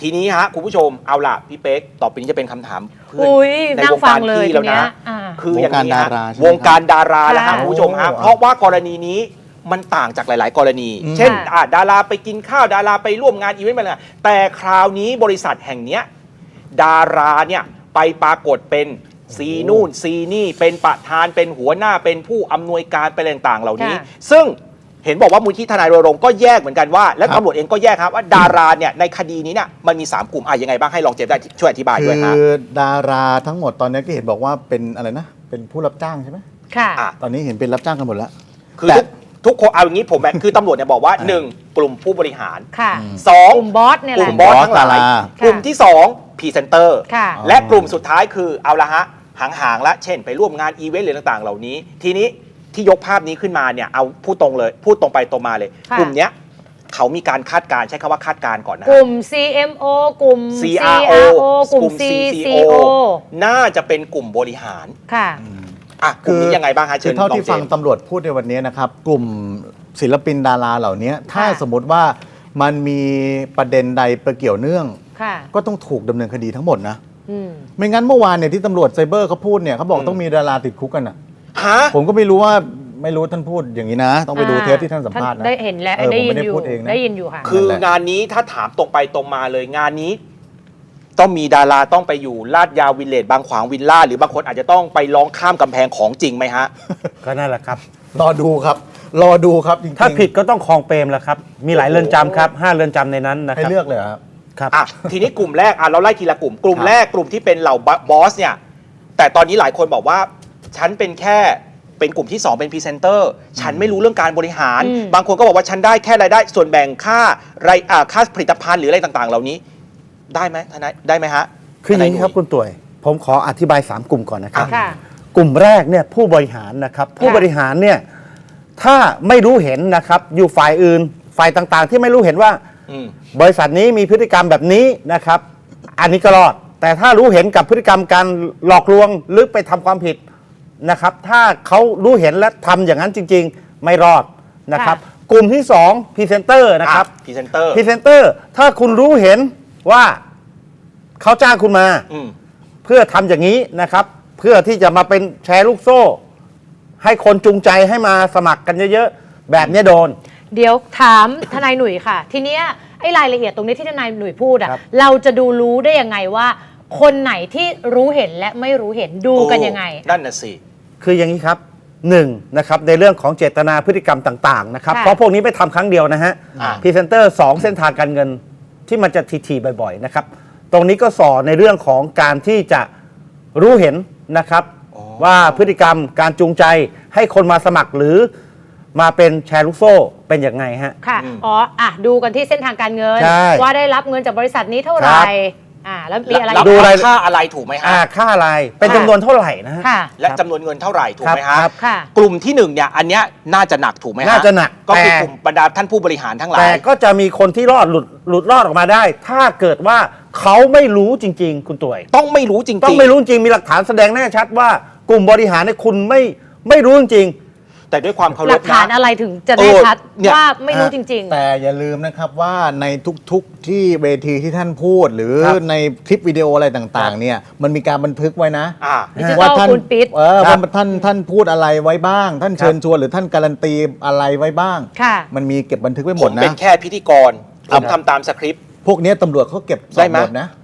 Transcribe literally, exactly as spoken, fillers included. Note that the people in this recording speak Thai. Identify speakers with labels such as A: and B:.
A: ทีนี้ฮะคุณผู้ชมเอาล่ะพี่เป๊กต่อไปนี้จะเป็นคำถามเพื่อนในวงการพี่แล้วนะคืออย่างนี้ฮะวงการดาราแล้วครับคุณผู้ชมฮะเพราะว่ากรณีนี้มันต่างจากหลาย ๆ กรณีเช่นดาราไปกินข้าวดาราไปร่วมงานอีเวนต์อะไรแต่คราวนี้บริษัทแห่งนี้ดาราเนี่ยไปปรากฏเป็นซีนู่นซีนี่เป็นประธานเป็นหัวหน้าเป็นผู้อำนวยการเป็นต่าง ๆ เหล่านี้ซึ่งเห็นบอกว่ามูลที่ทนายรณรงค์ก็แยกเหมือนกันว่าและตำรวจเองก็แยกครับว่าดาราเนี่ยในคดีนี้เนี่ยมันมีสามกลุ่มอ่ะยังไงบ้างให้ลองเจมส์ได้ช่วยอธิบายด้วยครับ
B: คือดาราทั้งหมดตอนนี้ก็เห็นบอกว่าเป็นอะไรนะเป็นผู้รับจ้างใช่ไหม
C: ค่ะ
B: ตอนนี้เห็นเป็นรับจ้างกันหมดแล้ว
A: คือทุกคนเอาอย่างนี้ผมแบบคือตำรวจเนี่ยบอกว่าหนึ่งกลุ่มผู้บริหาร
C: ค่ะ
A: สอง
C: กลุ่มบอสเนี่ยแหละ
A: กลุ่มบอสทั้งหลายกลุ่มที่สองพรีเซนเตอร์และกลุ่มสุดท้ายคือเอาละฮะห่างๆแล้วเช่นไปร่วมงานอีเวนต์หรือต่างๆเหล่านี้ทีนี้ที่ยกภาพนี้ขึ้นมาเนี่ยเอาพูดตรงเลยพูดตรงไปตรงมาเลยกลุ่มเนี้ยเขามีการคาดการใช้คำว่าคาดการก่อนนะ
C: กลุ่ม ซี เอ็ม โอ กลุ่ม
A: ซี อาร์ โอ
C: กลุ่ม ซี ซี โอ
A: น่าจะเป็นกลุ่มบริหาร
C: ค่ะ
A: อ่ะกลุ่มนี้ยังไงบ้างฮะเชิญ
B: เท่าที่ฟังตำรวจพูดในวันนี้นะครับกลุ่มศิลปินดาราเหล่านี้ถ้าสมมติว่ามันมีประเด็นใดประเกี่ยวเนื่องก็ต้องถูกดำเนินคดีทั้งหมดนะไม่งั้นเมื่อวานเนี่ยที่ตำรวจไซเบอร์เขาพูดเนี่ยเขาบอกต้องมีดาราติดคุกกันอ่ะผมก็ไม่รู้ว่าไม่รู้ท่านพูดอย่างนี้นะต้องไปดูเทปที่ท่านสัมภาษณ์นะ
C: ได้เห็นแล้วได้ยินอยู่ได้ยินอยู่ค่ะ
A: คืองานนี้ถ้าถามตรงไปตรงมาเลยงานนี้ต้องมีดาราต้องไปอยู่ลาดยาววิลเลจบางขวางวิลล่าหรือบางคนอาจจะต้องไปร้องข้ามกำแพงของจริงไหมฮะ
D: ก็นั่นแหละครับ
B: รอดูครับรอดูครับจริงๆ
D: ถ้าผิดก็ต้องคลองเปรมแหละครับมีหลายเรือนจำครับห้าเรือนจำในนั้นนะครับ
B: ให้เลือกเลยครับ
D: ครับ
A: อ่ะทีนี้กลุ่มแรกอ่ะเราไล่ทีละกลุ่มกลุ่มแรกกลุ่มที่เป็นเหล่าบอสเนี่ยแต่ตอนนี้หลายคนบอกว่าฉันเป็นแค่เป็นกลุ่มที่สองเป็นพรีเซนเตอร์ฉันไม่รู้เรื่องการบริหารบางคนก็บอกว่าฉันได้แค่รายได้ส่วนแบ่งค่ารายอ่าค่าผลิตภัณฑ์หรืออะไรต่างๆเหล่านี้ได้ไหมทนายได้ไหมฮะ
D: คืออย่างนี้ครับคุณต่วยผมขออธิบายสามกลุ่มก่อนนะครับ
C: ค่ะ
D: กลุ่มแรกเนี่ยผู้บริหารนะครับผู้บริหารเนี่ยถ้าไม่รู้เห็นนะครับอยู่ฝ่ายอื่นฝ่ายต่างๆที่ไม่รู้เห็นว่าบริษัทนี้มีพฤติกรรมแบบนี้นะครับอันนี้ก็รอดแต่ถ้ารู้เห็นกับพฤติกรรมการหลอกลวงหรือไปทำความผิดนะครับถ้าเขารู้เห็นและทำอย่างนั้นจริงๆไม่รอดนะครับกลุ่มที่สองพรีเซนเตอร์นะครับ
A: พรีเซนเตอร์
D: พรีเซนเตอร์ถ้าคุณรู้เห็นว่าเขาจ้างคุณมาเพื่อทำอย่างนี้นะครับเพื่อที่จะมาเป็นแชร์ลูกโซ่ให้คนจูงใจให้มาสมัครกันเยอะๆแบบนี้โดน
C: เดี๋ยวถามทนายหนุ่ยค่ะทีเนี้ยไอ้รายละเอียดตรงนี้ที่ทนายหนุ่ยพูดอะเราจะดูรู้ได้ยังไงว่าคนไหนที่รู้เห็นและไม่รู้เห็นดูกันยังไง
A: นั่นน่ะสิ
D: คืออย่างนี้ครับหนึ่งนะครับในเรื่องของเจตนาพฤติกรรมต่างๆนะครับเพราะพวกนี้ไปทำครั้งเดียวนะฮะพรีเซนเตอร์สองเส้นทางการเงินที่มันจะทีๆบ่อยๆนะครับตรงนี้ก็สอนในเรื่องของการที่จะรู้เห็นนะครับว่าพฤติกรรมการจูงใจให้คนมาสมัครหรือมาเป็นแชร์ลูกโซ่เป็นอย่างไงฮะ
C: ค่ะอ๋ออ่ะดูกันที่เส้นทางการเงินว่าได้รับเงินจากบริษัทนี้เท่าไหร่อ่าแล้วมีอะไร
A: ดูค่าอะไรถูกไหมฮะ
D: อ่าค่าอะไรเป็นจำนวนเท่าไหร่นะฮะ
A: และจำนวนเงินเท่าไหร่ถูกไหมฮะ
C: ค่ะ
A: กลุ่มที่หนึ่งเนี่ยอันเนี้ยน่าจะหนักถูกไหมฮะ
D: น่าจะหนัก
A: ก็คือกลุ่มบรรดาท่านผู้บริหารทั้งหลาย
D: แต่ก็จะมีคนที่รอดหลุดหลุดรอดออกมาได้ ถ้าเกิดว่าเขาไม่รู้จริงๆคุณต่วย
A: ต้องไม่รู้จริงๆ
D: ต้องไม่รู้จริงมีหลักฐานแสดงแน่ชัดว่ากลุ่มบริหารเนี่ยคุณไม่ไม่รู้จริง
A: แต่ด้วยความเคารพ
C: หลักฐานอะไรถึงจะแน่ชัดว่าไม่รู้จริง
B: ๆแต่อย่าลืมนะครับว่าในทุกๆที่เวทีที่ท่านพูดหรือในคลิปวิดีโออะไรต่างๆเนี่ยมันมีการบันทึกไว้นะ
C: ว่าท่าน
B: เออว่าท่านท่านพูดอะไรไว้บ้างท่านเชิญชวนหรือท่านการันตีอะไรไว้บ้างมันมีเก็บบันทึกไว้หมดนะ
A: ผมเป็นแค่พิธีกรผมทำตามสคริปต์
B: พวกนี้ตำรวจเขาเก็บได้หมดนะ